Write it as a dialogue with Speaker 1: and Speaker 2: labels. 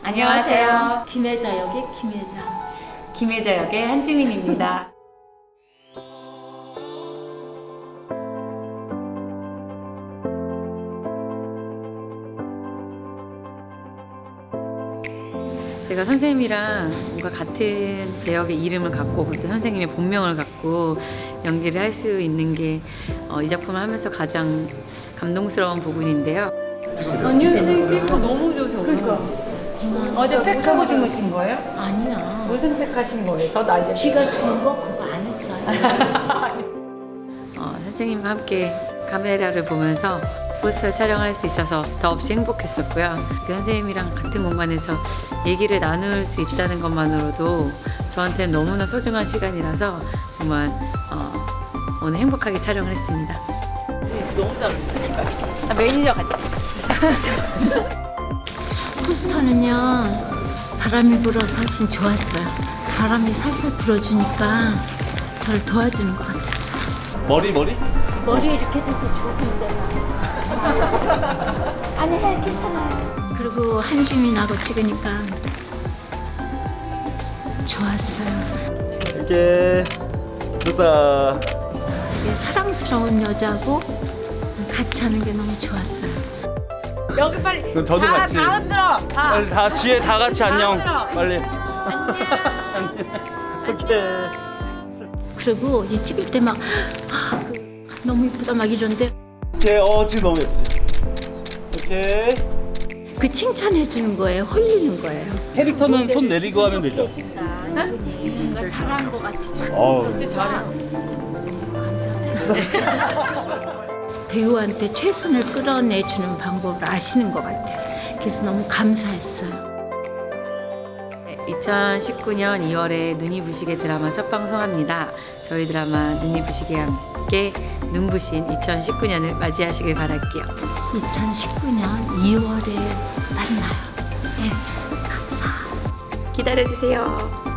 Speaker 1: 안녕하세요.
Speaker 2: 김혜자 역의 김혜자.
Speaker 1: 김혜자 역의 한지민입니다. 제가 선생님이랑 뭔가 같은 배역의 이름을 갖고 또 선생님의 본명을 갖고 연기를 할 수 있는 게 이 작품을 하면서 가장 감동스러운 부분인데요.
Speaker 3: 아니요, 선생님 피부가 너무 좋으셔. 그러니까. 어제 팩하고 주무신 거예요?
Speaker 2: 아니야.
Speaker 3: 무슨 팩하신 거예요? 저도 알겠어요.
Speaker 2: 쥐가 준 거 그거 안 했어요.
Speaker 1: 선생님과 함께 카메라를 보면서 포스터를 촬영할 수 있어서 더없이 행복했었고요. 그 선생님이랑 같은 공간에서 얘기를 나눌 수 있다는 것만으로도 저한테는 너무나 소중한 시간이라서 정말 오늘 행복하게 촬영을 했습니다.
Speaker 3: 너무 잘하셨어요.
Speaker 1: 매니저 같아.
Speaker 2: 포스터는요 바람이 불어서 훨씬 좋았어요. 바람이 살살 불어주니까 저를 도와주는 것 같았어요.
Speaker 4: 머리?
Speaker 2: 머리 이렇게 돼서 좋은데. 아니 괜찮아요. 그리고 한주민하고 찍으니까 좋았어요.
Speaker 4: 이렇게 좋다.
Speaker 2: 되게 사랑스러운 여자고 같이 하는 게 너무 좋았어요.
Speaker 3: 여기 빨리.
Speaker 4: 그럼 저도
Speaker 3: 다,
Speaker 4: 같이.
Speaker 3: 다 흔들어. 다.
Speaker 4: 빨리 다 뒤에 다 같이 안녕.
Speaker 3: 흔들어.
Speaker 4: 빨리.
Speaker 3: 안녕.
Speaker 4: 오케이.
Speaker 2: 그리고 이 찍을 때 막 너무 이쁘다 막 이런데
Speaker 4: 오케이. 지금 너무 예쁘지. 오케이.
Speaker 2: 그 칭찬해 주는 거예요. 홀리는 거예요.
Speaker 4: 캐릭터는 손 내리고 하면 되죠.
Speaker 2: 뭔가 잘한 것 같이
Speaker 3: 진짜 잘해.
Speaker 2: 배우한테 최선을 끌어내주는 방법을 아시는 것 같아요. 그래서 너무 감사했어요.
Speaker 1: 2019년 2월에 눈이 부시게 드라마 첫 방송합니다. 저희 드라마 눈이 부시게와 함께 눈부신 2019년을 맞이하시길 바랄게요.
Speaker 2: 2019년 2월에 만나요. 네, 감사.
Speaker 1: 기다려주세요.